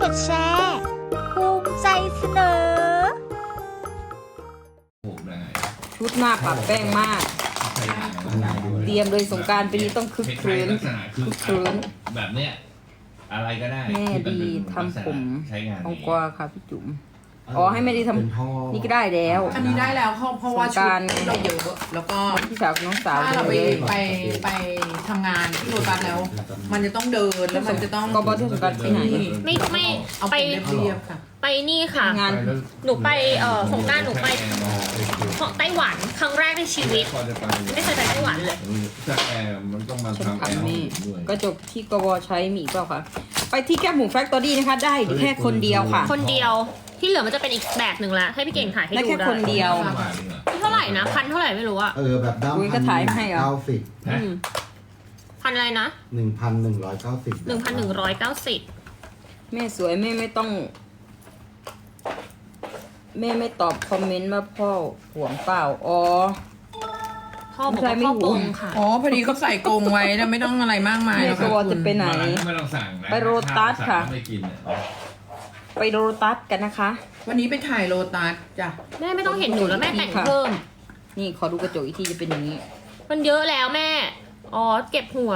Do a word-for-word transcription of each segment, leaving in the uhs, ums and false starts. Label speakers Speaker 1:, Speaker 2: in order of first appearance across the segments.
Speaker 1: ดแชร์ภูมิใจเสนอ
Speaker 2: ชุดหน้าปรับแป้งมากเตรียมเลยสงกรานต์ปีนี้ต้องคึกคืนคึกคืน
Speaker 3: แบบเนี้ยอะไรก็ได้
Speaker 2: แม่ดีทำผม
Speaker 3: ใช้งาน
Speaker 2: องกวาค่ะพี่จุ๋มอ๋อให้แม่ดีทำนี่ก็ได้แล้ว
Speaker 4: อันนี้ได้แล้วเพราะเพราะว่าชุดเราเยอะแล้วก็
Speaker 2: พี่สาวน้องสาว
Speaker 4: ถ้าเราไปไปไปทำงานที่โรตัสแล้ว มันจะต้องเดินแล้วมันจะต้อง
Speaker 2: ก็บอสที่สงกรานต์ที่ไหน
Speaker 5: ไม่ไม่
Speaker 4: เอา
Speaker 5: ไป
Speaker 4: ไปเรียบๆค่ะ
Speaker 5: ไปนี่ค่ะ
Speaker 2: งาน
Speaker 5: หนูไปเอ่อสงกรานต์หนูไปไต้หวันครั้งแรกในชีวิตไม่เคยไปไต้หวันเลย
Speaker 3: ถ้าแอร์มันต้องมา
Speaker 2: ฉัน
Speaker 3: ทำแอร์
Speaker 2: ทำนี่
Speaker 3: ด้วย
Speaker 2: กระจกที่กบใช้มีเปล่าคะไปที่แก้มหมูแฟคตอรี่นะคะได้แค่คนเดียวค่ะ
Speaker 5: คนเดียวที่เหลือมันจะเป็นอีกแบบหนึ่งละให้พี่เก่งถ่ายให้
Speaker 2: ได้
Speaker 5: ดู
Speaker 2: แค่
Speaker 5: ได้
Speaker 2: คนเดียว
Speaker 5: เท่าไหร่นะพันเท่าไหร่ไม่รู้อะ
Speaker 6: เออแบบด้าม
Speaker 2: อุ๊ยก็ถ่ายให้เหรอ
Speaker 6: เก้าสิบ
Speaker 5: อืมพันอะไรนะ
Speaker 6: หนึ่งพันหนึ่งร้อยเก้าสิบ
Speaker 5: หนึ่งพันหนึ่งร้อยเก้าสิบ
Speaker 2: แม่สวยแม่ไม่ต้อง แม่ไม่ตอบคอมเมนต์ว่าพ่อห่วงเปล่าอ๋อ
Speaker 5: พ่อบอกว่าพ่อปงค่ะ
Speaker 4: อ๋อพอดีเขาใส่กรงไว้แล้วไม่ต้องอะไรมากมาย
Speaker 2: แม่
Speaker 4: แล้ว
Speaker 2: ก
Speaker 4: ค่ะ
Speaker 2: บจะไปไหน
Speaker 3: ไม่ต้องสั่งนะ
Speaker 2: ไปโรตัสค่ะ
Speaker 3: ไม่กินเนี่ย
Speaker 2: ไปโรตัสกันนะคะ
Speaker 4: วันนี้ไปถ่ายโรตัสจ้ะ
Speaker 5: แม่ไม่ต้องเห็นหนูแล้วแม่แต่งเพิ่ม
Speaker 2: นี่ขอดูกระจกอีกทีจะเป็นอย่างนี้
Speaker 5: มันเยอะแล้วแม่อ๋อเก็บหัว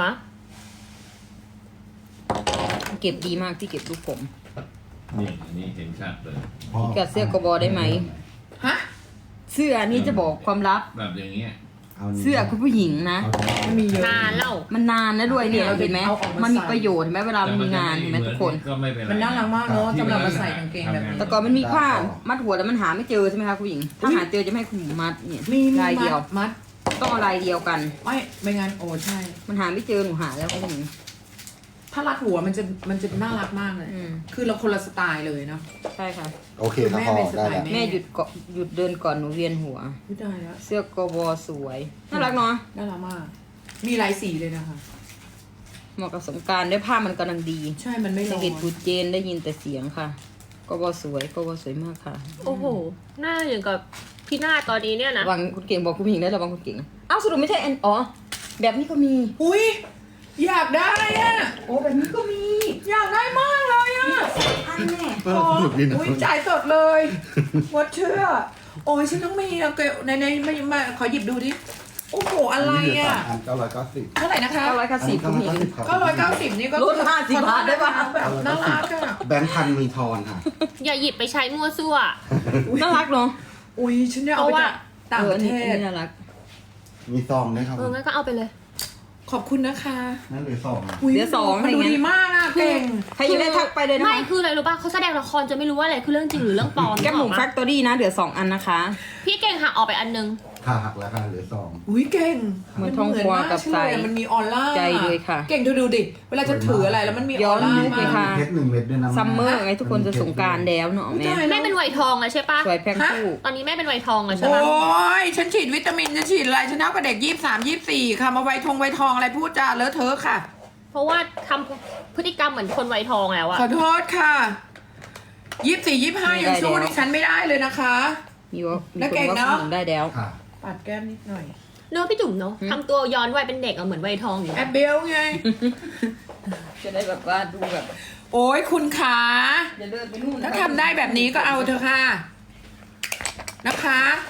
Speaker 2: เก็บดีมากที่เก็บรูปผม
Speaker 3: นี่นี่เห็นชัดเลย
Speaker 2: พี่กัดเสื้อกบได้ไหม
Speaker 4: ฮะ
Speaker 2: เสื้อนี่จะบอกความลับ
Speaker 3: แบบอย่างเงี้ย
Speaker 2: เสื้อคุณผู้หญิงนะ
Speaker 4: มันมีเยอะ
Speaker 5: นานแล้ว
Speaker 2: มันนานนะด้วยเนี่ย
Speaker 4: เอา
Speaker 2: เห็นไหม
Speaker 4: เอาออกมามั
Speaker 2: มันมีประโยชน์เห็นไหมเวลามันมีงานเห็นไหมทุกคน
Speaker 3: ก็ไม่เป็นไร
Speaker 4: มันน่ารักมากเนอะสำหรับมาใส่กางเกงแบบนี้
Speaker 2: แต่ก่อนมันมีผ้ามัดหัวแล้วมันหาไม่เจอใช่ไหมคะคุณผู้หญิง ถ้าหาเจอจะไม่ให้คุณหญิงมัดเนี่ย
Speaker 4: มีมี
Speaker 2: ลายเดียว
Speaker 4: มัดมัด
Speaker 2: ต้องเอาลายเดียวกัน
Speaker 4: ไม่ไม่งั้นโอ้ใช่
Speaker 2: มันหาไม่เจอหนูหาแล้วคุณผู้หญิง
Speaker 4: ถ้ารัดหัวมันจะมันจะน่ารักมากเลย
Speaker 2: อืม
Speaker 4: คือเราคนละสไตล์เลยเนาะ
Speaker 2: ใช่ค่ะ
Speaker 6: โอเคครับ
Speaker 4: แม่
Speaker 6: พอ
Speaker 4: เป็นส
Speaker 6: ได้
Speaker 4: ไตล์
Speaker 6: แล้ว
Speaker 4: แม่
Speaker 2: แม่หยุดเกาะหยุดเดินก่อนหนูเวียนหัว
Speaker 4: ไม่ได้แล้ว
Speaker 2: เสื้อกบสวยน่ารักเนาะ
Speaker 4: น่ารักมาก มีหลายสีเลยนะคะ
Speaker 2: เหมาะกับสงกรารด้วยผ้ามันกำลังดี
Speaker 4: ใช่มันไม่ร้
Speaker 2: จะ
Speaker 4: อน
Speaker 2: เห็นปูเจนได้ยินแต่เสียงค่ะกบสวยกบสวยมากค่ะ
Speaker 5: โอ้โหหน้าอย่างกับพี่หน้าตอนนี้เนี่ยนะ
Speaker 2: ระวังคุณเก่งบอกคุณผู้หญิงได้ระวังคุณเก่งอ้าวสรุปไม่ใช่แอนอ๋อแบบนี้ก็มี
Speaker 4: อุ้ยอยากได้อะ
Speaker 2: โอ้แบบนี้ก็มี
Speaker 4: อยากได้มากเลยอะ
Speaker 2: อันแน่
Speaker 6: เออสนุกดีนะ
Speaker 4: อุ้ยจ่ายสดเลยวัดเชื่อ โอ้ยฉันต้องมีอะเกลในในไม่มาขอหยิบดูดิ โอ้โห อะไรอะ
Speaker 6: อันเก้าร้อยเก้าสิบ
Speaker 4: เท่าไหร่นะคะ
Speaker 2: เก้าร้อยเก้าสิบคุณผู้หญิง
Speaker 6: ครับ
Speaker 4: เก้าร้อยเก้าสิบนี่ก็
Speaker 2: ลดห้าสิบบาทได้ปะ
Speaker 4: แบบน่ารักอะ
Speaker 6: แบงค์พันมีทอนค่ะ
Speaker 5: อย่าหยิบไปใช้มั่วซั่ว
Speaker 2: น่ารักเนาะ
Speaker 4: อุ้ยฉันเนี่ยเอาไปจากต่างประเท
Speaker 2: อออัน
Speaker 4: ศ
Speaker 2: นี้น่ารัก
Speaker 6: มีซองด้วยครับ
Speaker 5: เอองั้นก็เอาไปเลย
Speaker 4: ขอบคุณนะคะ
Speaker 6: นั่นเหลือสอง
Speaker 4: อุ้ย
Speaker 2: เดี๋ยวสอง
Speaker 4: มันดู
Speaker 2: อะไรเงี้ย
Speaker 4: ดีมากอะเก่ง
Speaker 2: ใครอยากได้ทักไปเลยนะ
Speaker 5: ไม่
Speaker 2: คะ
Speaker 5: คืออะไรรู้ป่ะเขาแสดงละครจะไม่รู้ว่าอะไรคือเรื่องจริงหรือเรื่องปลอม
Speaker 2: แก้มหมู
Speaker 5: นึกออก
Speaker 2: แฟ
Speaker 5: ปะ
Speaker 2: คตอรี่นะเดี๋ยวสองอันนะคะ
Speaker 5: พี่เก่งหักออกไปอันนึง
Speaker 6: ค่ะหักแล้วค่ะเหลือสอง
Speaker 4: อุ้ยเก่ง
Speaker 2: เหมือนทองกวาวกับใส
Speaker 4: มันเหมือนมากใช่เลยมันมีออร่า
Speaker 2: ใจเลยค่ะ
Speaker 4: เก่งดูดูดิ เวลาจะถืออะไรแล้วมันมีอ
Speaker 2: ย้
Speaker 4: อ
Speaker 2: อน
Speaker 4: ร่า
Speaker 2: ยุคเลย
Speaker 4: มาก
Speaker 2: ค่ะ
Speaker 6: เพชรหนึ่งเม็ดด้วยนะ
Speaker 2: ซัมเมอร์ไงทุกคนจะสงกรารแล้วเนาะแม่
Speaker 4: อุ๊ยตาย
Speaker 5: แม่เป็นไวทองแล้วใช่ปะ
Speaker 2: สวยแพ็คคู่
Speaker 5: ตอนนี้แม่เป็นไวทองแล้วใช่
Speaker 4: โอ้
Speaker 5: ปะ
Speaker 4: ยฉันฉีดวิตามินฉันฉีดอะไรฉันเท่ากับเด็กยี่สามยี่สี่ค่ะ มาไวทงไวทองอะไรพูดจาเลอะเทอะค่ะ
Speaker 5: เพราะว่าทำพฤติกรรมเหมือนคนไวทองแล้วอะ
Speaker 4: ขอโทษค่ะยี่สี่ยี่ห้ายังสู้ดิฉันไม่ได้เลยนะคะ
Speaker 2: มีว่ามี
Speaker 4: แล้ว
Speaker 2: คน
Speaker 4: เก่ง
Speaker 2: ว่า
Speaker 4: เนอะ
Speaker 2: คุณหญิงได้แล้ว
Speaker 6: ค่ะ
Speaker 4: ปัดแก้มนิดหน่อย
Speaker 5: เนอะพี่จุ๋มเนอะทำตัวย้อนวัยเป็นเด็กอะเหมือนไวทองอยู่
Speaker 4: แอบเบลไง
Speaker 2: จะได้แบบว่าดูแบบ
Speaker 4: โอ้ยคุณขา
Speaker 2: อย่าเดินไปนู่น
Speaker 4: ถ้าทำได้แบบนี้ก็เอาเถอะค่ะ นะคะ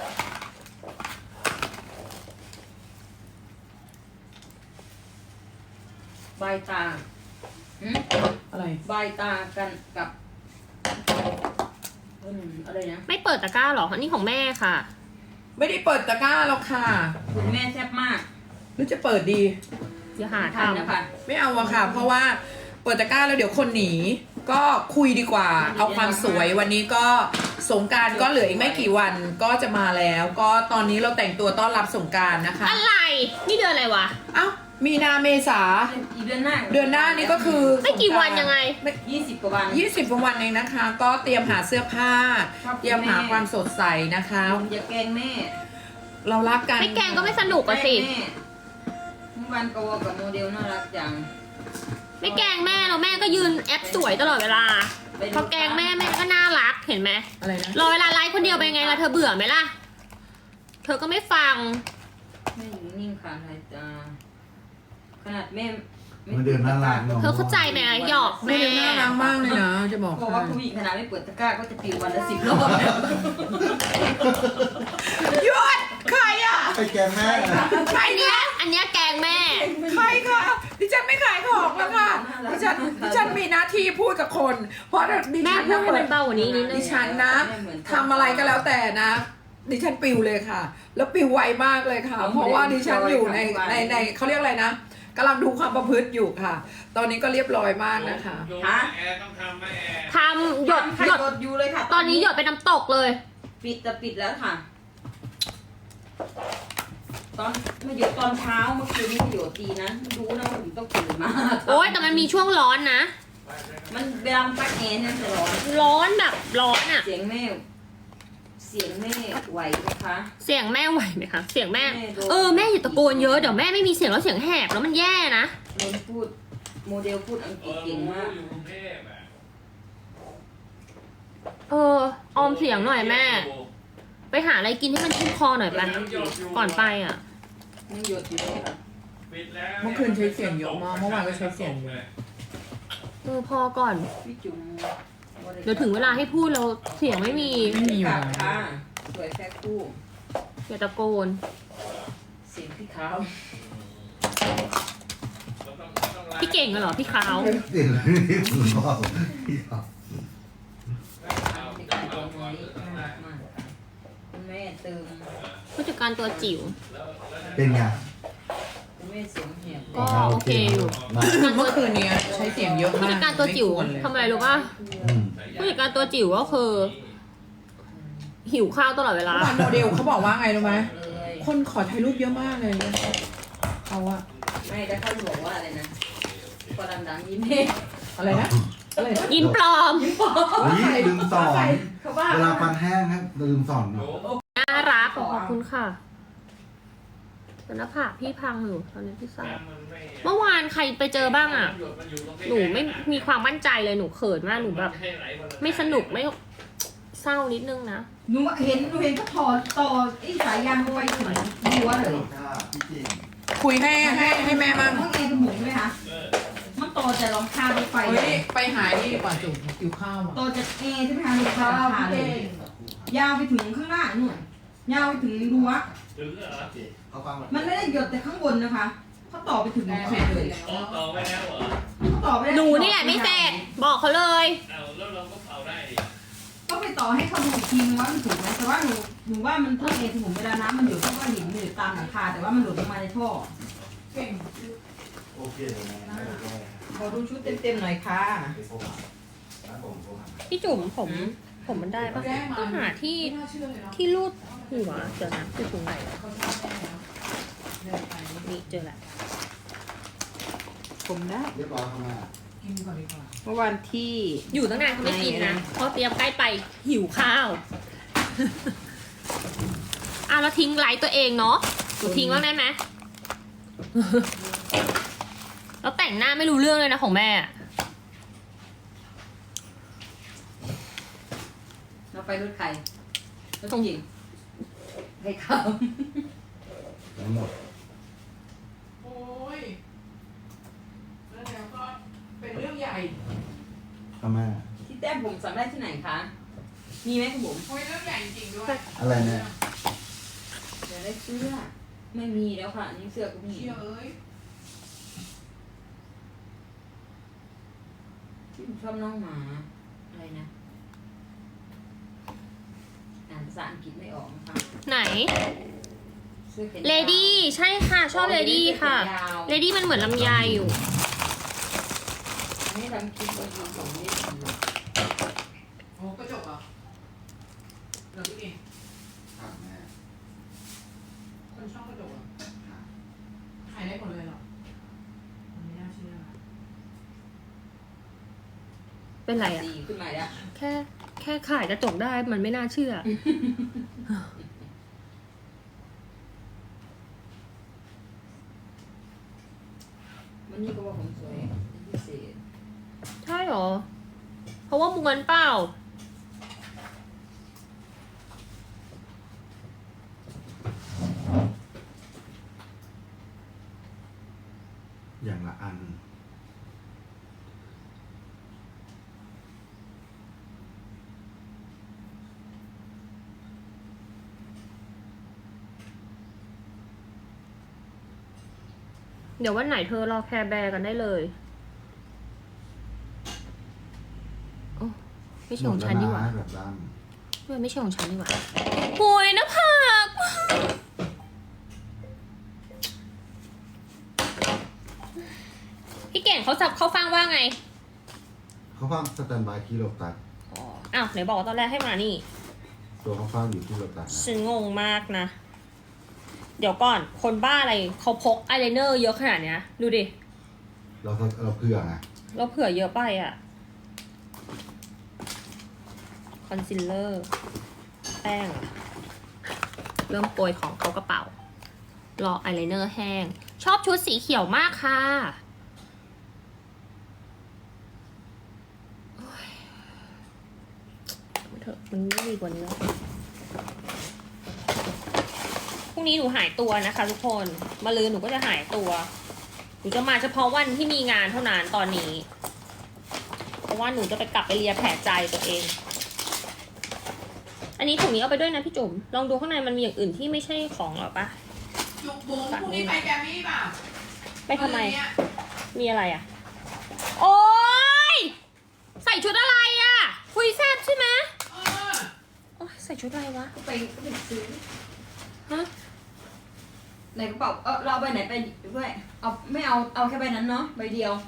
Speaker 2: ใบตาหืม
Speaker 4: อะไร
Speaker 2: ใบตากันกับอืมอะไรนะ
Speaker 5: ไม่เปิดตะกร้าหรออันนี้ของแม่ค่ะ
Speaker 4: ไม่ได้เปิดตะกร้าหรอกค่ะ
Speaker 2: คุณแม่แซ่บมาก
Speaker 4: หรือจะเปิดดี
Speaker 5: เดี๋ยวหา
Speaker 2: ทัน
Speaker 5: ทำ
Speaker 2: นะคะ
Speaker 4: ไม่เอาอะค่ะ เพราะว่าเปิดตะกร้าแล้วเดี๋ยวคนหนี ก็คุยดีกว่า เอาความสวยวันนี้ก็สงกรารก็เหลืออีกไม่กี่วันก็จะมาแล้ว ก็ตอนนี้เราแต่งตัวต้อนรับสงกรารนะคะ
Speaker 5: อะไรนี่เดือนอะไรวะ
Speaker 4: เอ้ามีนาเมษา
Speaker 2: อีกเดือนหน้า
Speaker 4: เดือนหน้านี้ก็คือ
Speaker 5: ไม่กี่วันยังไง
Speaker 2: ยี่สิบกว่าวัน
Speaker 4: ยี่สิบกว่าวันเองนะคะ ก็เตรียมหาเสื้อผ้า
Speaker 2: ครับ
Speaker 4: เตรียมหาความสดใสนะคะ
Speaker 2: อย่าแกล้งแม่
Speaker 4: เรารักกัน
Speaker 5: ไม่แกล้งก็ไม่สนุกอะสิ
Speaker 2: แม่เมื่อวานกวกับโมเดลน่ารักจัง
Speaker 5: ไม่แกล้งแม่แล้วแม่ก็ยืนแอปสวยตลอดเวลาพอแกล้งแม่แม่ก็น่ารักเห็นไหม
Speaker 4: อะไรนะ
Speaker 5: รอเวลาไลฟ์คนเดียวไปนไงล่ะเธอเบื่อไหมล่ะ เธอก็ไม่ฟัง
Speaker 2: แม่อยู่นิ่งค่ะนายตาขนาดแม่
Speaker 6: มันเดือนน่ารักเนาะ
Speaker 5: เธอเข้าใจไหมอะหยอก
Speaker 4: แม่
Speaker 5: แม่
Speaker 4: น่ารักมากเลยนะ จะบอก
Speaker 2: บอกว่าผู้หญิงขนาดไม่เปิดตะกร้าก็จะปิววันละสิบรอบแล้ว
Speaker 4: หยุดใครอ่ะ
Speaker 6: ไอ้แกแม่
Speaker 4: ใคร
Speaker 5: อัน
Speaker 4: เนี่
Speaker 5: เนี้
Speaker 4: ย
Speaker 5: ยอันเนี้ยแกงแม่
Speaker 4: ใครค่ะดิฉันไม่ขายของแล้วค่ะดิฉันดิฉันมีหน้าที่พูดกับคน เพราะดิ
Speaker 5: แม่
Speaker 4: ฉัน
Speaker 5: พูด
Speaker 4: นะ
Speaker 5: ให้มันเบากว่านี้นิดนึ
Speaker 4: ดิ
Speaker 5: ง
Speaker 4: ฉันนะทำอะไรก็แล้วแต่นะ ดิฉันปิวเลยค่ะ แล้วปิวไวมากเลยค่ะ เพราะว่าดิฉันอยู่ในในในเขาเรียกอะไรนะกำลังดูความประพฤติอยู่ค่ะ ตอนนี้ก็เรียบร้อยมากนะคะ
Speaker 2: ฮะ
Speaker 3: แอร์ต้องทำไหมแอร์
Speaker 5: ทำหยด
Speaker 2: ใคร
Speaker 5: หยด
Speaker 2: กดอยู่เลยค่ะ
Speaker 5: ตอนนี้หยดเป็นน้ำตกเลย
Speaker 2: ปิดแต่ปิดแล้วค่ะ ตอนมาหยดตอนเช้าเมื่อคืนนี้มาหยดดีนะรู้นะว่าผมต้องตื่นมา
Speaker 5: โอ้ยแต่มันมีช่วงร้อนนะ
Speaker 2: มันเวลามันปักแอร์เนี่ยจะร้อน
Speaker 5: ร้อนแบบร้อนอะ
Speaker 2: เสียงแม่ เสียงแม่ไหวไหมคะ
Speaker 5: เสียงแม่ไหวไหมคะ เสียงแม่
Speaker 2: แม่โดน
Speaker 5: เออแม่อย่าตะโกนเยอะเดี๋ยวแม่ไม่มีเสียงแล้วเสียงแหบแล้วมันแย่นะ
Speaker 2: โดนพูด โมเดลพูดอังกฤษเก่งมาก
Speaker 3: อยู่กรุงเทพอ่ะ
Speaker 5: เออออมเสียงหน่อยแม่ ไปหาอะไรกินให้มันชุ่มคอหน่อยไปก่อนไปอ่ะ
Speaker 2: ยังหยดอยู่เลยค่ะ
Speaker 3: ปิดแล้ว
Speaker 4: เมื่อคืนใช้เสียงเยอะมากเมื่อวานก็ใช้เสียงเยอะ
Speaker 5: เออพอก่อน
Speaker 2: พี่จุ๋ม
Speaker 5: เดี๋ยวถึงเวลาให้พูดเราเสียงไม่มี
Speaker 4: ไม่มีอยู่
Speaker 2: กลับ
Speaker 4: แล้ว
Speaker 2: ค่ะสวยแค่คู่
Speaker 5: อย่าตะโกน
Speaker 2: เสียงพี่ขาว
Speaker 5: พี่เก่งเหรอพี่ขาว
Speaker 6: เสียงที่สุดบอกพี่ครับ
Speaker 2: พี่ขาวตรงนี้มากมากคุณแม่เติม
Speaker 5: ผู้จัดการตัวจิ๋ว
Speaker 6: เป็นไง
Speaker 2: คุณแม่เสียงแหบ
Speaker 5: ก็โอเคอยู่
Speaker 6: มา
Speaker 4: เมื่อคืนนี้ใช้เสียงเยอะ
Speaker 5: ผู้
Speaker 4: มาก
Speaker 5: จัดการตัวจิ๋ว
Speaker 4: ไม่ควรเลย
Speaker 5: ทำอะไรรู้ป่ะ
Speaker 6: อืม
Speaker 5: ผู้จัดการตัวจิ๋วก็คือ หิวข้าวตลอดเวลา
Speaker 4: เมื่อวานโมเดลเขาบอกว่าไงรู้ไหม
Speaker 2: เลย
Speaker 4: คนขอถ่ายรูปเยอะมากเลยเขาอะ
Speaker 2: ไม่ได้เขาบอกว่าอะไรนะพอดังๆยิ้มเฮ้
Speaker 4: อะไรนะอะไรนะ
Speaker 5: ยิ้มปลอม
Speaker 6: นี่ลืมสอน
Speaker 2: เขาว่า
Speaker 6: เวลาฟันแห้งครับลืมสอนเนาะ
Speaker 5: น่ารักขอบคุณค่ะแต่หน้าผากพี่พังอยู่ตอนนี้พี่สาวเมื่อวานใครไปเจอบ้างอ่ะ หนูไม่มีความมั่นใจเลยหนูเขินมากหนูแบบ ไม่สนุกไม่เศร้านิดนึงนะ
Speaker 7: หนูเห็นหนูเห็นก็ถอดต่อไอ้สายยางไปถึงหัวเลย
Speaker 6: พี่จริง
Speaker 4: คุยให้ให้ให้แม่มั่ง
Speaker 7: ห้องแอร์จมูกไหมคะมันต่อจากรองคาไปไฟ
Speaker 4: เฮ้ยไปหานี่ดีกว่าจุ๋มหิวข้าวอ่ะ
Speaker 7: ต่อจากแอร์ใช่ไหมคะรองคาราคาเลย ยาวไปถึงข้างหน้านู่นยาวไปถึงรั้ว
Speaker 3: ถึงเหรอ
Speaker 6: เขาฟังแบบ
Speaker 7: มันไม่ได้หยดแต่ข้างบนนะคะเขาต่อไปถึงสุดเลย
Speaker 3: อ๋อต่อไปแล้วเหรอ
Speaker 7: เขาต่อไปได้
Speaker 5: หนูนี่แหละไม่เสร็จบอกเขาเลย
Speaker 3: เอาแล้วเราก็เผาได้ดิ
Speaker 7: ต้องไปต่อให้เขาดูอีกทีนึงว่ามันถูกไหมแต่ว่าหนูหนูว่ามันท่อแอร์สมุนเวลาน้ำมันหยดเขาก็เห็นมันอยู่ตามหลังคาแต่ว่ามันหลุดลงมาในท่อ
Speaker 6: โอเคเลยนะไม่ได้
Speaker 2: ขอดูชุดเต็มๆหน่อยค่ะ
Speaker 6: ไปโทรหาร้านผมโทรหา
Speaker 5: พี่จุ๋มผม ผมมันได้ปะต้องหาที่ที่รูดหัวเดี๋ยวนะคือตรงไหนนี่เจอละ
Speaker 2: ผมได้
Speaker 6: เรียบร้อยเข้ามา
Speaker 4: กินก่อนดีกว่า
Speaker 2: เมื่อวันที่
Speaker 5: อยู่ตั้งนานเขาไม่กินนะเพราะเตรียมใกล้ไปหิวข้าว อ่ะแล้วทิ้งไลฟ์ตัวเองเนาะหนูทิ้งบ้างได้ไหม แล้วแต่งหน้าไม่รู้เรื่องเลยนะของแม่อะ
Speaker 2: เราไปรถใครรถหญิงให้เขา
Speaker 6: ทั้งหมด
Speaker 4: โอ้ยแล้วเดี๋ยวก็เป็นเรื่องใหญ่
Speaker 6: เข้ามา
Speaker 2: ที่แต้มผมสั่งได้ที่ไหนคะ มีไหมคุณผม
Speaker 4: โอ้ยเรื่องใหญ่จริงๆด้วย
Speaker 6: อะไรเนี่ย
Speaker 2: เดี๋ยวได้เสื้อ ไม่มีแล้วค่ะอันนี่เสื้อก็มี
Speaker 4: เชี่ยเอ้ย
Speaker 2: ที่ผมชอบน้องหมาอะไรนะอ่านภาษาอังกฤษไม่ออกนะคะ
Speaker 5: ไหน
Speaker 2: เสื้อแขนยาว
Speaker 5: เลดี้ใช่ค่ะ ชอบเลดี้ค่ะ
Speaker 2: เสื้อแขนยาว
Speaker 5: เลดี้มันเหมือนลำไยอยู่
Speaker 2: อันนี้ทำคลิปมาดูของนี่
Speaker 4: โอ้กระจกเหรอเหรอพี่เอง
Speaker 6: ถามแม่
Speaker 4: คนชอบกระจกเหรอขายได้หมดเลยเหรอมันไม่น่าเชื่อ
Speaker 5: เป็นไรอะ
Speaker 2: ดีขึ้นมาแล้ว
Speaker 5: แค่แค่ขายกระจกได้มันไม่น่าเชื่อ
Speaker 2: วันนี้ก็ว่าผมสวยเป็นพิเศษ
Speaker 5: ใช่หรอ เพราะว่าม้วนเปล่า
Speaker 6: อย่างละอัน
Speaker 5: เดี๋ยววันไหนเธอรอแคร์แบร์กันได้เลยโอ้ไม่ใช่ของฉันดีกว่า
Speaker 6: แบบด้าน
Speaker 5: ไม่ไม่ใช่ของฉันดีกว่าโวยนะผักพี่เก่งเขาจับเขาฟังว่าไง
Speaker 6: เขาฟังสแตนบายที่โลตัส
Speaker 5: อ้าวไหนบอกว่าตอนแรกให้มานี่
Speaker 6: ตัวเขาฟังอยู่ที่โลตัสนะ
Speaker 5: ฉันงงมากนะ เดี๋ยวก่อนคนบ้าอะไรเขาพกอายไลเนอร์เยอะขนาดเนี้ยดูดิ
Speaker 6: เราเราเผื่อไง
Speaker 5: เราเผื่อเยอะไปอะคอนซีลเลอร์แป้งอะเริ่มโปรยของเขากระเป๋ารออายไลเนอร์แห้ง ชอบชุดสีเขียวมากค่ะโอ๊ยเถอะมันไม่ดีกว่านี้แล้วพรุ่งนี้หนูหายตัวนะคะทุกคนมะรืนหนูก็จะหายตัวหนูจะมาเฉพาะวันที่มีงานเท่านั้นตอนนี้ เพราะว่าหนูจะไปกลับไปเลียแผลใจตัวเอง อันนี้ถุงนี้เอาไปด้วยนะพี่จุ๋มลองดูข้างในมันมีอย่างอื่นที่ไม่ใช่ของหรอปะ
Speaker 4: จุกบุ๋มพรุ่งนี้ไปแกรมมี่เปล่า
Speaker 5: ไปทำไม
Speaker 4: วันนี้
Speaker 5: มีอะไรอ่ะ โอ๊ยใส่ชุดอะไรอ่ะคุยแซ่บใช่ไหม
Speaker 4: เออ
Speaker 5: โอ๊ยใส่ชุดอะไรวะ
Speaker 7: ไปก็ไปซื้อ
Speaker 5: ฮะ
Speaker 7: ในกระเป๋าเออเราเอาใบไหนไปด้วยเอาไม่เอาเอาแค่ใบนั้นเนาะใบเดียว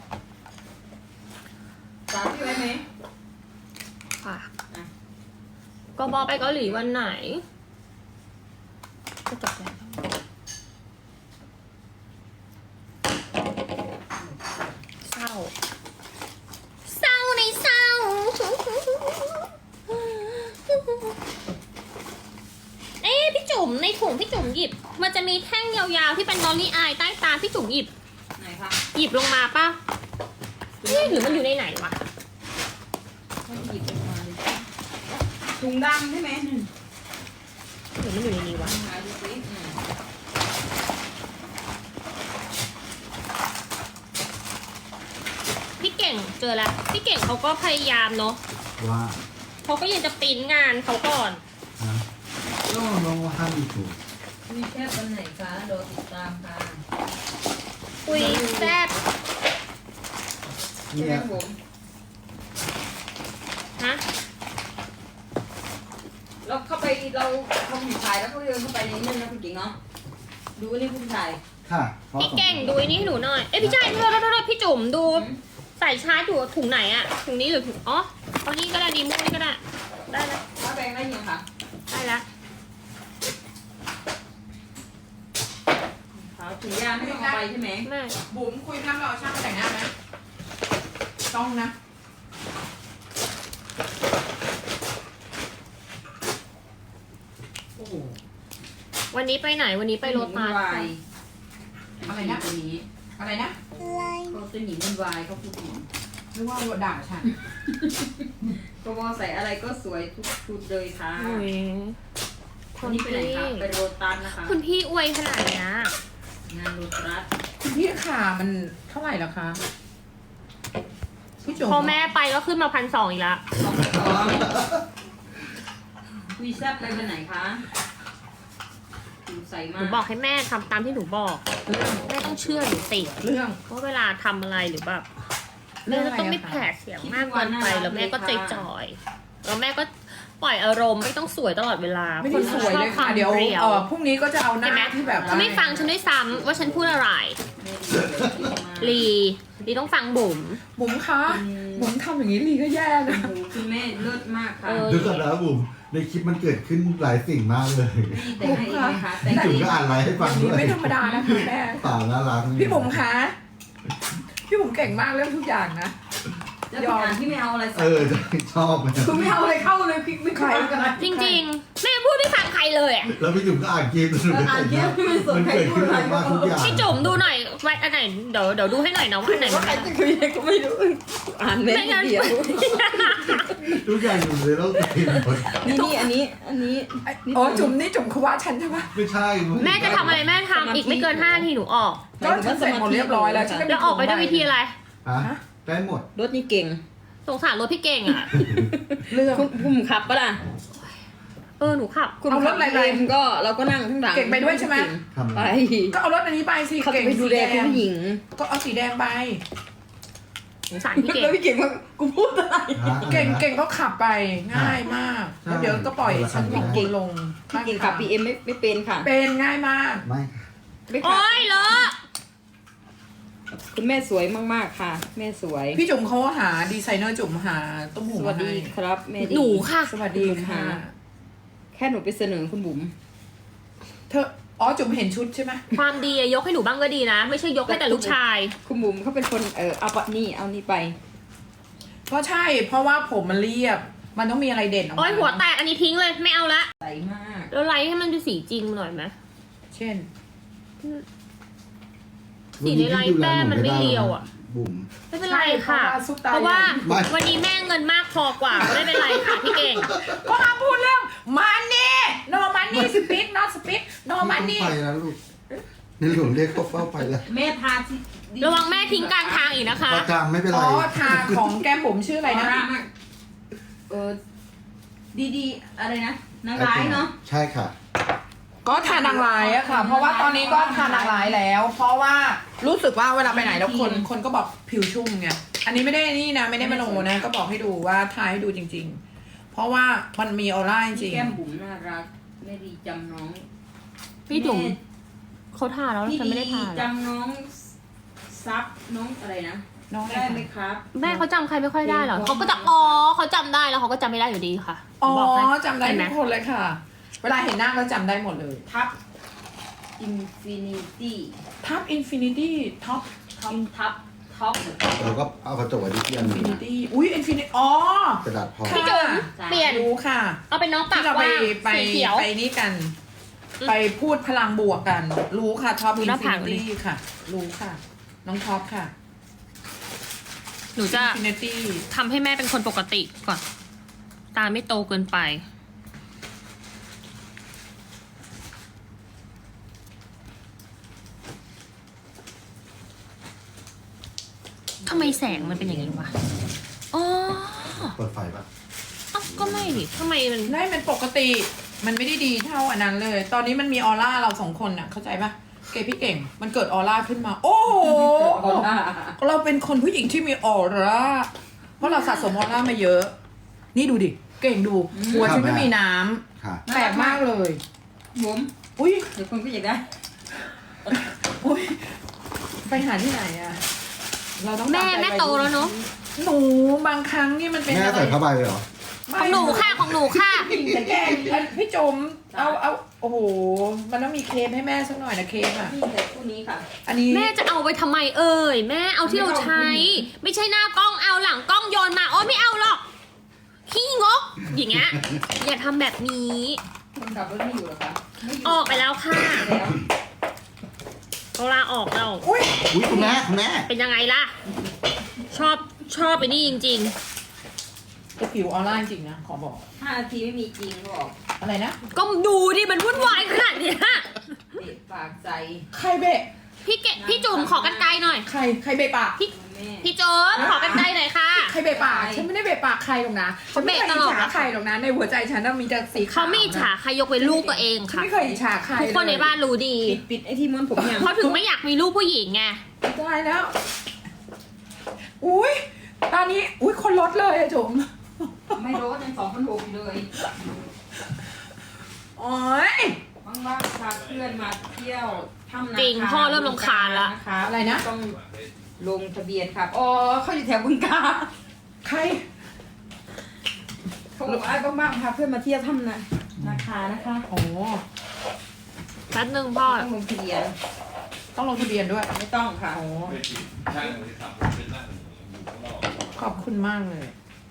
Speaker 7: ฝากพี่ไว้ไหม
Speaker 5: ค่ะก็บอกไปเกาหลีวันไหนก็จบแล้วเศร้าเศร้าในเศร้า เอ๊ะพี่จุ๋มในถุงพี่จุ๋มหยิบ มันจะมีแท่งยาวๆที่เป็นลอลลี่อายใต้ตาพี่จุ๋มหยิบ
Speaker 7: ไหนคะ
Speaker 5: หยิบลงมาป่ะเอ๊ะหรือมันอยู่ในไหนวะ
Speaker 7: ให้หยิบออกมาเลยถุงดำใช่ไหมหนึ่ง
Speaker 5: หรือมันอยู่ในนี้วะ
Speaker 7: หาดูสิอืม
Speaker 5: พี่เก่งเจอแล้วพี่เก่งเขาก็พยายามเนาะ
Speaker 6: ว่า
Speaker 5: เขาก็ยังจะปริ้นงานเขาก่อน
Speaker 6: ฮะก็ลองว่าห้ามมีถูก
Speaker 7: มีแค่วันไหนคะรอติดตามค่ะ
Speaker 5: คุยแซ่บ
Speaker 7: ใช่
Speaker 6: เนี่
Speaker 7: ไหม
Speaker 6: ย
Speaker 7: ผม
Speaker 5: ฮะ
Speaker 7: เราเข้าไปเราเขาผู้ชายแล้วก็เดินเข้าไปในนั้นนะคุณหญิงเนาะดูนี่ผู้ชาย
Speaker 6: ค่ะพราะ
Speaker 5: พี่เก่งดูไอ้นี่ให้หนูหน่อยเอ้ยพี่ชายโทษโทษโทษพี่จุ๋มดูใส่ชาร์จอยู่ถุงไหนอะถุงนี้หรือถุงอ๋อเอานี่ก็ได้ดีมูนี่ก็ได้ได้แล้ว
Speaker 7: ถ้าแบงค์ได้ยังคะ
Speaker 5: ได้แล้ว
Speaker 7: ขาวถุงยางไม่ต้องเอาไปใช่ไหม
Speaker 5: แม่
Speaker 4: บุ๋มคุยน้ำรอช่างแต่งหน้าไหมต้องนะ
Speaker 7: โอ้โห
Speaker 5: วันนี้ไปไหนวันนี้ไปโรตัส
Speaker 7: วาย
Speaker 4: อะไรนะ
Speaker 7: ตัวนี้
Speaker 4: อะไรนะ
Speaker 7: เขาตัวหนีมันวายเขาพูดถึง
Speaker 4: หรือว่าด่าฉัน
Speaker 7: ก็ว่าใส่อะไรก็สวยทุกชุดเลยค่ะ
Speaker 5: โอ้ยค
Speaker 7: วัน
Speaker 5: น
Speaker 7: นี้ไปไหน
Speaker 5: พี่
Speaker 7: คะไปโรตัสนะคะ
Speaker 5: คุณพี่อวยขนาดเนี้ย
Speaker 7: งานโรตัส
Speaker 4: คุณพี่ขามันเท่าไหร่แล้วคะพี่จุ๋ม
Speaker 5: พอแม่ไปก็ขึ้นมาพันสองอีกละ
Speaker 7: สองสองวีซ่าไปวันไหนคะดูใส่
Speaker 5: ห
Speaker 7: มา
Speaker 5: นูบอกให้แม่ทำตามที่หนูบอก
Speaker 4: เรื่อง
Speaker 5: แม่ต้องเชื่อหนูสิ
Speaker 4: เรื่อง
Speaker 5: ว่าเวลาทำอะไรหรือแบบ
Speaker 4: เรื่
Speaker 5: แม่
Speaker 4: องอะไร
Speaker 5: จะต้องไม่
Speaker 4: อะคะ
Speaker 5: แผดเสียงมากเกินไปแล้วแม่ก็ใจจ่อยแล้วแม่ก็ปล่อยอารมณ์ไม่ต้องสวยตลอดเวลา
Speaker 4: ไม่ได้สวยเลย
Speaker 5: ช
Speaker 4: ค่ะ
Speaker 5: อบ
Speaker 4: เดี๋ยว
Speaker 5: รีย
Speaker 4: เออพรุ่งนี้ก็จะเอาห
Speaker 5: เห็นไหม
Speaker 4: น้าที่แบบ
Speaker 5: เขาไม่ฟังฉันด้วยซ้ำว่าฉันพูดอะไร
Speaker 7: แม่ดีเลยที่มา
Speaker 5: ลีลีต้องฟังบุ๋ม
Speaker 4: บุ๋มคะบุ๋มทำอย่างนี้ลีก็แย่นะ
Speaker 7: โอ้โหคุณแม่เลิศมากค่ะ
Speaker 5: เออ
Speaker 6: ดูกันแล้วบุ๋มในคลิปมันเกิดขึ้นหลายสิ่งมากเลย
Speaker 7: นี่แต่งให้อีกไหมคะแต่ง
Speaker 6: จุ๋ม
Speaker 7: ให้
Speaker 6: ก็อ่านไลน์ให้ฟัง
Speaker 4: อย่าง
Speaker 6: ด้
Speaker 4: นี้
Speaker 6: วย
Speaker 4: ไม่ธรรมดานะคะแม่
Speaker 6: เปล่าน่ารัก
Speaker 4: พี่บุ๋มคะพี่บุ๋มเก่งมากเรื่องทุกอย่างนะ
Speaker 7: แล้วเป็นงานที่ไม่เอาอะไรใส่
Speaker 6: เออชอบไหม
Speaker 7: คือไม่เอาอะไรเข้าเลยพริกไม่
Speaker 4: ใคร
Speaker 7: เข้ากันนะ
Speaker 5: จริงๆ แม่พูดไม่ฟังใครเลยอะ
Speaker 6: แล้วพี่จุ๋มก็อ่านเกมสนุก
Speaker 7: อ่านเกมไม่สน
Speaker 6: มัน
Speaker 7: ใคร
Speaker 6: เกิด
Speaker 7: พู
Speaker 6: ขึ้
Speaker 7: ด
Speaker 6: น
Speaker 7: อะไร
Speaker 6: มากทุกอย่าง
Speaker 5: พี่จุ๋มดูหน่อยไว้อันไหนเดี๋ยวเดี๋ยวดูให้หน่อยนะว่าอันไหน
Speaker 7: ว่า
Speaker 5: มัน
Speaker 7: ใครจะคุยอะไรก็ไม่รู้อ่านเม็ด
Speaker 5: ไม่งั้น
Speaker 7: เดียว
Speaker 6: ทุกอย่างอยู่ในโลกเต็มหมด
Speaker 7: นี่นี่อันนี้อันนี้
Speaker 4: อ๋อจุ๋มนี่จุ๋มเขาว่าฉันใช่ปะ
Speaker 6: ไม่ใช่
Speaker 5: แม่จะทำอะไรแม่ทำอีกไม่เกินห้านาทีหนูออก
Speaker 4: ก็ฉันเสร็จหมดเรียบร้อยแล้วฉันก็
Speaker 5: แล้วออกไปด้วยวิธีอะไร
Speaker 6: ฮะได้หมด
Speaker 7: รถนี่เก่ง
Speaker 5: สงสารรถพี่เก่งอ่ะ
Speaker 4: เรื่อง
Speaker 7: คุณภูมิขับปะล่ะ
Speaker 5: เอออหนูขับ
Speaker 2: คุณ
Speaker 4: เอารถอะไรไป
Speaker 2: เอ็มก็เราก็นั่งข้างหลัง
Speaker 4: เก่งไปด้วยใช่ไหม
Speaker 6: ทำ
Speaker 2: ไป
Speaker 4: ก็เอารถอันนี้ไปสิ
Speaker 2: เขา
Speaker 4: เก่
Speaker 2: จะ
Speaker 4: ง
Speaker 2: ไปดูแล
Speaker 4: สี
Speaker 2: คุณผู้หญิง
Speaker 4: ก็เอาสีแดงไป
Speaker 5: สงสารพี่เก่ง
Speaker 2: แล้วพี่เก่งว่ากูพูดอะไร
Speaker 4: เก่งเก่งก็ขับไปง่ายมากแล้วเดี๋ยวก็ปล่อยฉันของคุณลง
Speaker 2: พี่เก่งขับบีเอ็มไม่ไม่เป็นค่ะ
Speaker 4: เป็นง่ายมาก
Speaker 6: ไม่
Speaker 2: ไม่ขับ
Speaker 5: โอ้ยเลอะ
Speaker 2: คุณแม่สวยมากๆค่ะ แม่สวย
Speaker 4: พี่จุ๋มเขาหาดีไซเนอร์จุ๋มหาต้มหู
Speaker 2: ส
Speaker 4: มา
Speaker 2: วัสดี
Speaker 4: ให้
Speaker 2: ครับแม่ดี
Speaker 5: หนูค่ะ
Speaker 4: สวัสดีค่ะ
Speaker 2: แค่หนูไปเสนอคุณบุ๋ม
Speaker 4: เธออ๋อจุ๋มเห็นชุดใช่ไหม
Speaker 5: ความดีอะยกให้หนูบ้างก็ดีนะ ไม่ใช่ยกให้แต่ลูกชาย
Speaker 2: คุณบุ๋มเขาเป็นคนเออเอาปะนี่เอานี่ไป
Speaker 4: ก็ใช่เพราะว่าผมมันเรียบ มันต้องมีอะไรเด่นออกมา
Speaker 5: โอ้ยหัวแตกอันนี้ทิ้งเลยไม่เอาละ
Speaker 2: ใสมาก
Speaker 5: แล้วไลท์ให้มันดูสีจริงหน่อยไหม
Speaker 4: เช่น
Speaker 5: สีในไลท์แป้งมันไม่เรียวอะ
Speaker 6: บุ๋ม
Speaker 5: ไม่เป็นไรค่ะ
Speaker 4: ใช่เพราะว่าซุปตา
Speaker 5: เพราะว่า
Speaker 6: ไม่
Speaker 5: วันนี้แม่เงินมากพอกว่าไม่เป็นไรค่ะพี่เก่ง
Speaker 4: ก็ห้ามพูดเรื่องมันนี่ no money speak not speak no
Speaker 6: ไม่
Speaker 4: money
Speaker 6: ต้องไปแล้วลูกในหลวงเรียกเขาเฝ้าไปแล้ว
Speaker 7: แม่ทาสิ
Speaker 5: ระวังแม่ทิ้งกลางทางอีกนะคะ
Speaker 6: ประจำไม่เป็นไร
Speaker 4: อ๋อทาของแก้มบุ๋มชื่ออะไรนะ
Speaker 7: เออดีๆอะไรนะนางร้ายเนาะ
Speaker 6: ใช่ค่ะ
Speaker 4: ก็ทานางร้ายอะค่ะ เพราะว่าตอนนี้ก็ทานางร้ายแล้ว เพราะว่ารู้สึกว่าเวลาไปไหนแล้วคนคนก็บอกผิวชุ่มไง อันนี้ไม่ได้นี่นะไม่ได้มโนนะ ก็บอกให้ดูว่าทาให้ดูจริง ๆ เพราะว่ามันมีออร่าจริง
Speaker 2: แก้มบุ๋มน่ารักแม่ดีจำน้อง
Speaker 5: พี่จุ๋มเขาทาแล้ว
Speaker 2: พี่
Speaker 5: ฉันไม่ได้ทา
Speaker 2: จำน้องซับน้องอะไรนะ
Speaker 4: ๆน้องอะไร
Speaker 2: ได้ไหม
Speaker 4: คะ
Speaker 2: ครับ
Speaker 5: แม่เขาจำใครไม่ค่อยได้หรอเขาก็จะอ๋อเขาจำได้แล้วเขาก็จำไม่ได้อยู่ดีค่ะ
Speaker 4: อ๋อ
Speaker 5: บอกให้
Speaker 4: จำได้
Speaker 5: เห็นไหม
Speaker 4: ทุกคนเลยค่ะ เวลาเห็นหน้าก็จำได้หมดเลย
Speaker 2: ทับอินฟินิตี้
Speaker 4: ทับอินฟินิตี้ท็อป
Speaker 2: ท็อปทับท็อป
Speaker 6: เราก็เอากระจกไว้ที่เตียง
Speaker 4: อินฟินิตี้อุ้ยอินฟินิอ๋อก
Speaker 6: ระดาษพอ
Speaker 5: พี่จุ๋ม
Speaker 2: จ้ะ
Speaker 5: เปลี่ยน
Speaker 4: รู้ค่ะ
Speaker 5: เอาเป็นน้องปา
Speaker 4: ที่
Speaker 5: ก
Speaker 4: เราไป
Speaker 5: ว่าง
Speaker 4: ไป
Speaker 5: สีเขียว
Speaker 4: ไปนี่กัน ไปพูดพลังบวกกัน รู้ค่ะท็อป
Speaker 5: ดู
Speaker 4: อิ
Speaker 5: ห
Speaker 4: น
Speaker 5: น้า
Speaker 4: ฟิ
Speaker 5: ผาก
Speaker 4: นิ
Speaker 5: เลย
Speaker 4: ตี้ค่ะ รู้ค่ะ น้องท็อปค่ะ
Speaker 5: หนูจะ
Speaker 4: อินฟินิตี้
Speaker 5: ทำให้แม่เป็นคนปกติก่อน ตาไม่โตเกินไป ทำไมแสงมันเป็นอย่างนี้วะ อ๋อ
Speaker 6: เปิดไฟปะ
Speaker 5: เอ้าก็ไม่ดิทำไมมัน
Speaker 4: ได้มันปกติ มันไม่ได้ดีเท่าอันนั้นเลย ตอนนี้มันมีออร่าเราสองคนน่ะ เข้าใจปะเกพี่เก่ง มันเกิดออร่าขึ้นมา โอ้โห เราเป็นคนผู้หญิงที่มีออร่า เพราะเราสะสมออร่ามาเยอะ นี่ดูดิ เก่งดู หัวฉันก็มีน้ำ
Speaker 6: ค่ะ
Speaker 4: แปลกมากเลย
Speaker 2: บุ๋ม
Speaker 4: อุ้ย
Speaker 2: เดี๋ยวคนก็อยากได้
Speaker 4: อุ้ย ไปหาที่ไหนอะเราต้อง
Speaker 5: แม่
Speaker 4: ตาใจ
Speaker 5: แม่โตแล้วเนอะ
Speaker 4: หนูบางครั้งนี่มันเป็น
Speaker 6: แม่
Speaker 4: อะไร
Speaker 6: ใส่ผ้าใบเลยเหรอ
Speaker 5: ของหนูค่ะของหนูค่ะ
Speaker 4: แกพี่จม เอาเอาโอ้โห มันต้องมีเคสให้แม่สักหน่อยนะเคสอะ
Speaker 2: พี่ใส่คู่นี้ค่ะ
Speaker 4: อันนี้
Speaker 5: แม่จะเอาไปทำไมเอ่ย แม่เอาที่เราใช้ ไม่ใช่หน้ากล้องเอาหลังกล้องโยนมาอ๋อไม่เอาหรอก ขี้งก อย่างเงี้ย อย่าทำแบบนี้
Speaker 2: คนขับรถไม่อยู่หรอคะไม่อยู่
Speaker 5: ออกไปแล้วค่ะ
Speaker 2: แล้ว
Speaker 5: เขาลาออกแล้ว
Speaker 4: อุ้ย
Speaker 6: อุ้ยคุณแม่คุณแม่
Speaker 5: เป็นยังไงล่ะ ชอบชอบไปนี่จริง
Speaker 4: แต่ผิวออร่าจริงนะ ขอบอก
Speaker 2: ห้านาทีไม่มีจริงบอก
Speaker 4: อะไรนะ
Speaker 5: ๆ ก็ดูดิมันวุ่นวายขนาดเนี้ย
Speaker 2: เด็ดปากใจ
Speaker 4: ใครเบะ
Speaker 5: พี่เกพี่จุ๋มขอกันไกลหน่อย
Speaker 4: ใคร ใครเบะปาก
Speaker 5: พี่
Speaker 2: แม่
Speaker 5: พี่โจ๊บขอกันไกลหน่อยค่ะ
Speaker 4: ใครเบะปาก ฉันไม่ได้เบะปากใครหรอกนะฉันไม่เคย
Speaker 5: เขาเบะต
Speaker 4: อิ
Speaker 5: ล
Speaker 4: จ
Speaker 5: อด
Speaker 4: ฉาใครหรอกนะ ในหัวใจฉันน่ะมีแต่สีขาว
Speaker 5: เขาไม่อิจฉาใครยกเว้นลูกตัวเอง
Speaker 4: ฉัน
Speaker 5: ค่ะ
Speaker 4: ไม่เคยอิจฉาใคร
Speaker 5: ทุกคนในบ้านรู้ดี
Speaker 2: ปิดปิดไอ้ที่ม้วนผมยัง
Speaker 5: เพราะถึงไม่อยากมีลูกผู้หญิงไง
Speaker 4: ตายแล้ว อุ้ยตอนนี้ อุ้ยคนลดเลยอะจุ๋ม
Speaker 2: ไม่รู้ยังสองพันหกอยู่เลย
Speaker 4: โอ้ย
Speaker 2: ว่างๆพาเพื่อนมาเที่ยวถ้ำนาคา
Speaker 5: จริงพ่อเริ่มรำคาญละ
Speaker 2: นะคะ
Speaker 4: อะไรนะ
Speaker 2: ต้องลงทะเบียนครับอ๋อเขาอยู่แถวบึงกาฬ
Speaker 4: ใคร
Speaker 2: เขาบอกว่าบ้างๆพาเพื่อนมาเที่ยวถ้ำนานาคานะคะ
Speaker 4: โอ้
Speaker 5: แป๊บนึงพ่อ
Speaker 2: ต้องลงทะเบียน
Speaker 4: ต้องลงทะเบียนด้วย
Speaker 2: ไม่ต้องค่ะ
Speaker 4: โอ้
Speaker 3: ไม่ผิดช่างมันจะขับเป็นหน้าอยู่ข้างนอก
Speaker 4: ขอบคุณมากเลย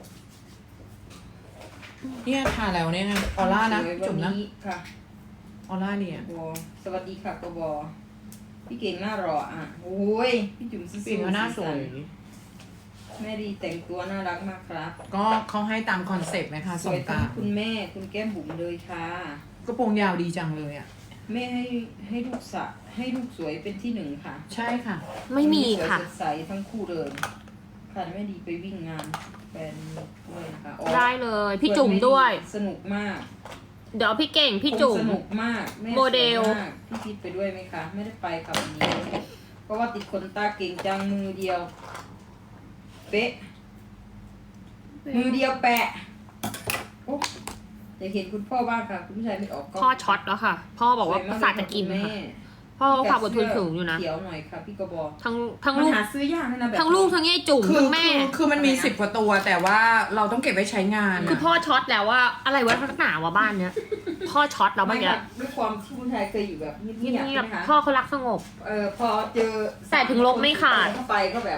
Speaker 4: เนี่ยทาแล้วเนี่ยออร่านะ
Speaker 2: สวย
Speaker 4: จุ๋ม
Speaker 2: วั
Speaker 4: นะ
Speaker 2: ค่ะ
Speaker 4: ออร่าเนี่ย
Speaker 2: โอ้สวัสดีค่ะกบพี่เก่งหน้ารออ่ะโอ้ยพี่จุ๋มสู้ๆ
Speaker 4: ปิ่นก็หน้าสวย
Speaker 2: แม่ดีแต่งตัวน่ารักมากครับ
Speaker 4: ก็เขาให้ตามคอนเซปต์นะคะ
Speaker 2: ส
Speaker 4: ส่
Speaker 2: ว
Speaker 4: ง
Speaker 2: ยทั้
Speaker 4: ตาง ม
Speaker 2: คุณแม่คุณแก้มบุ๋มเลยค่ะ
Speaker 4: กระโปรงยาวดีจังเลยอ่ะ
Speaker 2: แม่ให้ให้ลูกสะให้ลูกสวยเป็นที่หนึ่งค่ะ
Speaker 4: ใช่ค่ะ
Speaker 5: ไม่มี
Speaker 2: สวย
Speaker 5: ค่ะ
Speaker 2: สดใสทั้งคู่เลยค่ะแม่ดีไปวิ่งงานแฟนด้วยนะคะอ๋อ
Speaker 5: ได้เลย พี่จุ๋มด้วย
Speaker 2: สนุกมาก
Speaker 5: เดี๋ยวพี่เก่งพี่จุ๋
Speaker 2: ค
Speaker 5: ม
Speaker 2: งสนุกมากแ
Speaker 5: โมเดล
Speaker 2: สวยมากพี่พีทไปด้วยไหมคะ ไม่ได้ไปค่ะวันนี้ เพราะว่าติดขนตาเก่งจังมือเดียว เป๊ะ มือเดียวแปะโอ้อยากเห็นคุณพ่อบ้างค่ะ คุณผู้ชายไม่ออกกล้อง
Speaker 5: พ่อช็อตแล้วค่ะ พ่อบอกว่า
Speaker 2: สย
Speaker 5: ประสาทจะกิน
Speaker 2: แม่
Speaker 5: ค่ะพ่อเขาความอดทนสูงอยู่นะ
Speaker 2: เขียวหน่อยค่ะพี่กระบอก
Speaker 5: ทั้งทั้ง
Speaker 2: มัน
Speaker 5: ลูก
Speaker 2: หาซื้อยากนะแบบ
Speaker 5: ทั้งลูกทั้งยายจุ๋ม
Speaker 4: คือ
Speaker 5: ทั้งแม่
Speaker 4: คือคือมันมีสิบกว่าตัว แต่ว่าเราต้องเก็บไว้ใช้งาน
Speaker 5: คือพ่อช็อตแล้วว่าอะไรวะนักหนาวะบ้านเนี้ย พ่อช็อตแล้ว
Speaker 2: ไม่
Speaker 5: เมื่อกี้
Speaker 2: ค่ะด้วยความที่คุณชายเคยอยู่แบบเงี
Speaker 5: เงี
Speaker 2: ยบๆ
Speaker 5: ย
Speaker 2: ใช่
Speaker 5: บ
Speaker 2: ไหมคะ
Speaker 5: ๆพ่อเขารักสงบ
Speaker 2: เออพอเจอ
Speaker 5: แต่ถึงลบไม่ขาด
Speaker 2: เข้าไปก็แบบ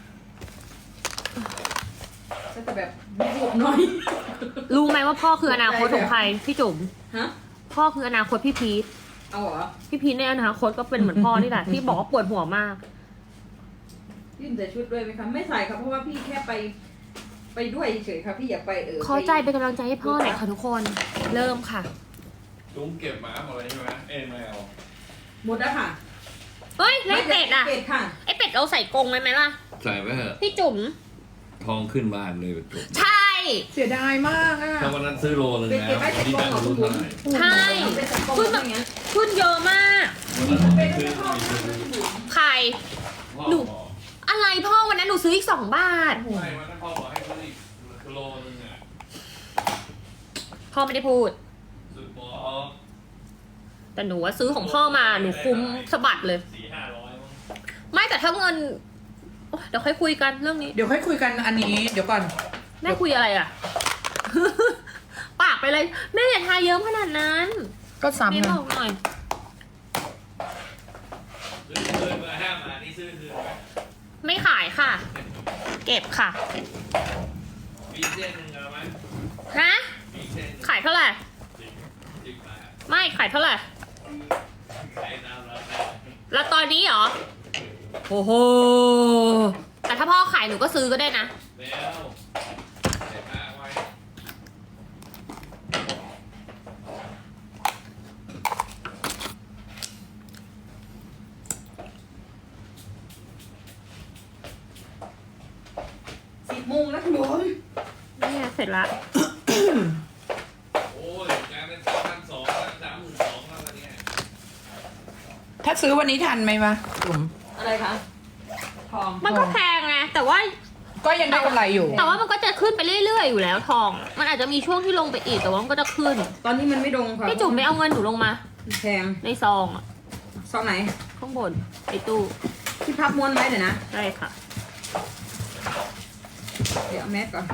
Speaker 2: ก็จะแบบบวกหน่อย
Speaker 5: รู้ไหมว่าพ่อคืออนาคตของใครพี่จุ๋ม
Speaker 2: ฮะ
Speaker 5: พ่อคืออนาคตพี่พีท
Speaker 2: เอาเหรอ
Speaker 5: พี่พีทในอนาคตก็เป็นเหมือนพ่อนี่แหละ ที่บอกว่าปวดหัวมาก
Speaker 2: ยื่นใส่ชุดด้วยไหมคะไม่ใส่ครับเพราะว่าพี่แค่ไป ไปด้วยเฉยๆครับพี่อยากไปเออ
Speaker 5: ขอใจเป็นกำลังใจให้พ่อหน่อยค่ะทุกคน เริ่มค่ะ
Speaker 3: ลุงเก็บหมาหมดเลยใช่ไหมเอ็นแมว
Speaker 2: หมดแล้วค่ะ
Speaker 5: เฮ้ยแล้วไอ้เป็ดอ่ะ
Speaker 2: เป็ดค่ะ
Speaker 5: ไอเป็ดเราใส่กรงไหมไหมล่ะ
Speaker 3: ใส่ไว้เถอะ
Speaker 5: พี่จุ๋ม
Speaker 3: ทองขึ้นบ้านเลยจบ
Speaker 5: ใช่
Speaker 4: เสียดายมากอ่ะ
Speaker 3: ถ้าวันนั้นซื้อโลนึง
Speaker 2: เป็ด
Speaker 3: นะ
Speaker 2: เก็บไว้ใส่
Speaker 3: ที่
Speaker 2: กรง
Speaker 3: นั่ง
Speaker 2: เหรอคุ
Speaker 3: รู้
Speaker 2: ณบุ๋
Speaker 3: เท่าม ไหร่
Speaker 5: ใช่
Speaker 2: เป็นใส่กรง
Speaker 5: ขึ้น
Speaker 2: แบ
Speaker 5: แบบ บ
Speaker 2: เงี้ย
Speaker 5: ขึ้นเยอะมาก
Speaker 3: วันนั้นผมไปซื้อ
Speaker 5: ไข่
Speaker 3: พ่อ
Speaker 5: หนู
Speaker 3: บอก
Speaker 5: อะไรพ่อวันนั้นหนูซื้ออีกสองบาท
Speaker 3: ไม่วันนั้นพ่อบอกให้ซื้ออีกโลนึงอ่ะ
Speaker 5: พ่อไม่ได้พูด
Speaker 3: ซื้อปอ
Speaker 5: แต่หนูว่าซื้อของพ่อมาหนูคุ้มสะบัดเลย
Speaker 3: สี่ห้าร้อยมั้ง
Speaker 5: ไม่แต่ถ้าเงินโอ๊ยเดี๋ยวค่อยคุยกันเรื่องนี้
Speaker 4: เดี๋ยวค่อยคุยกันอันนี้ เดี๋ยวก่อน
Speaker 5: แม่คุยอะไรอ่ะ ปากไปเลยแม่อย่าทายเยิ้มขนาดนั้น
Speaker 4: ก็
Speaker 5: แม่
Speaker 4: ซ้ำ
Speaker 5: บ
Speaker 4: นะ
Speaker 5: อกหน่อย
Speaker 3: ซื้อคืนมาห้ามานี่ซื้อคืนไหม
Speaker 5: ไม่ขายค่ะ เก็บค่ะ
Speaker 3: มีเส้นหนึ่งเอาไหม
Speaker 5: ฮะ
Speaker 3: มีเส้นหนึ่ง
Speaker 5: ขายเท่าไหร่
Speaker 3: สิบสิบบาท
Speaker 5: ไม่ขายเท่าไหร่
Speaker 3: ขายตามราคา
Speaker 5: แล้วตอนนี้เหรอโอ้โหแต่ถ้าพ่อขายหนูก็ซื้อก็ได้นะ
Speaker 3: แล้วใส่ผ้าไว้
Speaker 2: สิบโมงแล้วคุณบุ๋ม
Speaker 5: นี่ไงเสร็จละ
Speaker 3: โอ้ยกลายเป็นสามพันสองสามหมื่นสองแล้ววันเนี้ย
Speaker 4: ถ้าซื้อวันนี้ทันไหมวะจุ๋ม
Speaker 2: อะไรคะทอง
Speaker 5: มันก็แพงไงแต่ว่า
Speaker 4: ก็ยังได้กำไรอยู่
Speaker 5: แต่ว่ามันก็จะขึ้นไปเรื่อยๆอยู่แล้วทอง มันอาจจะมีช่วงที่ลงไปอีกแต่ว่ามันก็จะขึ้น
Speaker 2: ตอนนี้มันไม่ดงค่ะ
Speaker 5: พี่จุ๋มไปเอาเงินหนูลงมา
Speaker 2: แพง
Speaker 5: ในซองอะ
Speaker 2: ซองไหน
Speaker 5: ข้างบนไอ้ตู้
Speaker 2: ที่พับม้วนไว้เดี๋ยวนะ
Speaker 5: ได้ค่ะ
Speaker 2: เดี๋ยวเอาแมสก่อน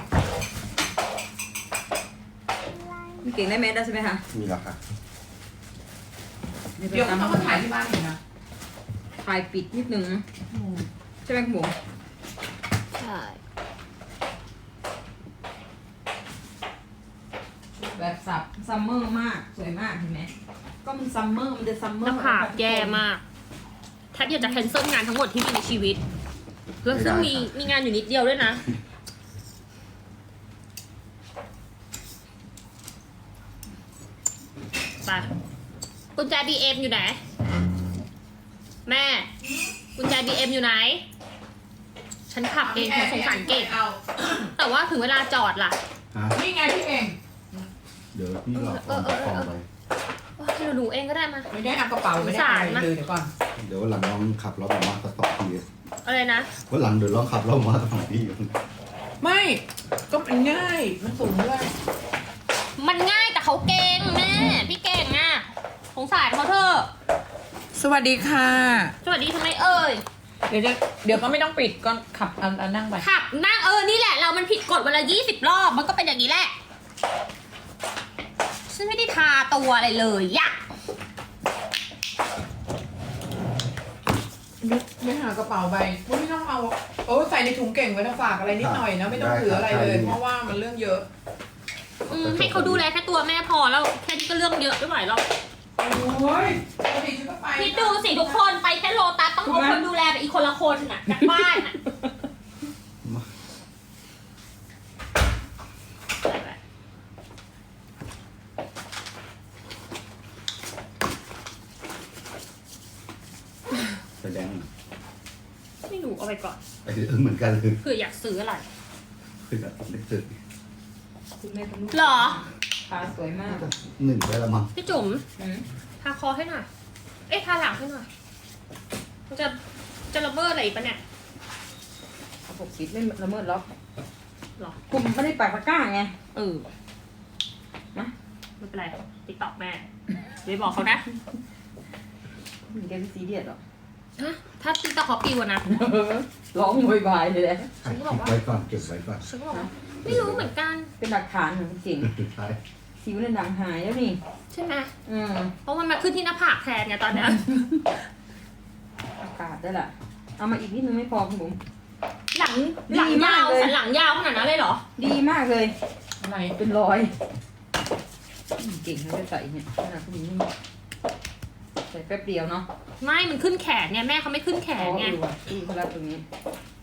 Speaker 2: มีเก่งได้แมสได้ใช่ไหมคะ
Speaker 6: มีแล้วค่ะ
Speaker 4: เดี๋ยวต้องมาถ่ายที่บ้านอีกนะ
Speaker 2: ถ่ายปิดนิดนึงใช่ไหมคุณบุ๋ม
Speaker 5: ใช่
Speaker 2: แบบสับซัมเมอร์มากสวยมากเห็นไหมก็มันซัมเมอร์มันจะซัมเมอ
Speaker 5: ห
Speaker 2: ร์
Speaker 5: น้าผากแย่มากแทบอยากจะแคนเซิลงานทั้งหมดที่มีในชีวิตแล้วซึ่งมีมีงานอยู่นิดเดียวด้วยนะ ไปกุญแจ บี เอ็ม อยู่ไหน แม่ กุญแจ บี เอ็ม อยู่ไหน ฉันขับเองฉันสงสารเก่ง
Speaker 4: เอา
Speaker 5: แต่ว่าถึงเวลาจอดล่ะ
Speaker 6: ฮะ
Speaker 4: นี่ไงพี่เอง
Speaker 6: เดี๋ยวพี่หลอกเอากล่องไป
Speaker 5: โอ๊ยเดี๋ยวหนูเองก็ได้มา
Speaker 4: ไม่ได้เอากระเป๋าไม่ได้อะไรเลยเดี๋ยวก่อน
Speaker 6: เดี๋ยววันหลังลองขับรถออกมาสักสองที
Speaker 5: อะไรนะ
Speaker 6: วันหลังเดี๋ยวลองขับรถออกมาสักสองที
Speaker 4: ไม่ ก็มันง่าย มันสูงด้วย
Speaker 5: มันง่ายแต่เขาเก่งแม่ พี่เก่งอ่ะสงสารเขาเถอะ
Speaker 4: สวัสดีค่ะ
Speaker 5: สวัสดีทำไมเอ่ย
Speaker 4: เดี๋ยวจะเดี๋ยวก็ไม่ต้องปิดก็ขับเอาเอานั่งไป
Speaker 5: ขับนั่งเออ นี่แหละ เรามันผิดกฎวันละยี่สิบรอบ มันก็เป็นอย่างนี้แหละ ฉันไม่ได้ทาตัวอะไรเลยยะ
Speaker 4: ไม่หากระเป๋าใบไม่ต้องเอาโอ้ใส่ในถุงเก่งไว้นะฝากอะไรนิดหน่อยนะไม่ต้องถืออะไรเลย เพราะว่ามันเรื่องเยอะ
Speaker 5: อืมให้เขาดูแลแค่ตัวแม่พอแล้วแค่นี้ก็เรื่องเยอะไม่ไหวหรอก
Speaker 4: โอ้ยปกติฉันก็ไป
Speaker 5: คิดดูสิทุกคนไปแค่โลตัสต้องเอาคนดูแลไปอีกคนละคนน่ะจากบ้านน่ะ
Speaker 6: แสดง
Speaker 5: ไม่รู้เอาไปก่อน
Speaker 6: ไปเออเหมือนกันเลย
Speaker 5: เผื่ออยากซื้ออะไร
Speaker 6: คือแบบนึกถึง
Speaker 2: คุณแม่ทำลูก
Speaker 5: หรอ
Speaker 2: ขาสวยมาก
Speaker 6: หนึ่งไปละมั้ง
Speaker 5: พี่จุ๋ม
Speaker 2: อืม
Speaker 5: ทาคอให้หน่อย เอ้ยทาหลังให้หน่อย มันจะจะระเบิดอะไรอีกปะเนี่ย
Speaker 2: หกสิบไม่ละเมิดล็อก
Speaker 5: หรอ
Speaker 2: คุณไม่ได้ปักตะกร้าไง
Speaker 5: เออ
Speaker 2: นะ
Speaker 5: ไม่เป็นไรติ๊กต็อกแม่เดี๋ยวบอกเขานะ
Speaker 2: มีแกเป็นซีเรียสหรอ
Speaker 5: ฮะถ้าติ๊กต็อกเขาปิวอะนะ
Speaker 2: ร้องโวยวายเลยแหละ
Speaker 6: เก็บไว้ก่อนเก็บไว้ก่อน
Speaker 5: ฉันก็บอกว่าไม่รู้เหมือนกัน
Speaker 2: เป็นหลักฐานของจริง
Speaker 6: ใช่
Speaker 2: สิวในหนังหายแล้วนี่
Speaker 5: ใช่ไหม
Speaker 2: อืม
Speaker 5: เพราะมันมาขึ้นที่หน้าผากแทนไงตอนเนี้ย
Speaker 2: อากาศได้ละเอามาอีกนิดนึงไม่พอคุณบุ๋ม
Speaker 5: หลัง
Speaker 2: ดี
Speaker 5: หลังยาว
Speaker 2: มากเลย
Speaker 5: สันหลังยาวขนาดนั้นเลยเหรอ
Speaker 2: ดีมากเลย
Speaker 4: อะไร
Speaker 2: เป็นรอยอืมเก่งนะจะใส่เนี่ยขนาดคุณบุ๋มใส่แป๊บเดียวเนาะ
Speaker 5: ไม่มันขึ้นแขนไงแม่เขาไม่ขึ้นแข
Speaker 2: อ๋อน
Speaker 5: ไง
Speaker 2: เออว่ะที่เขารับตรงนี้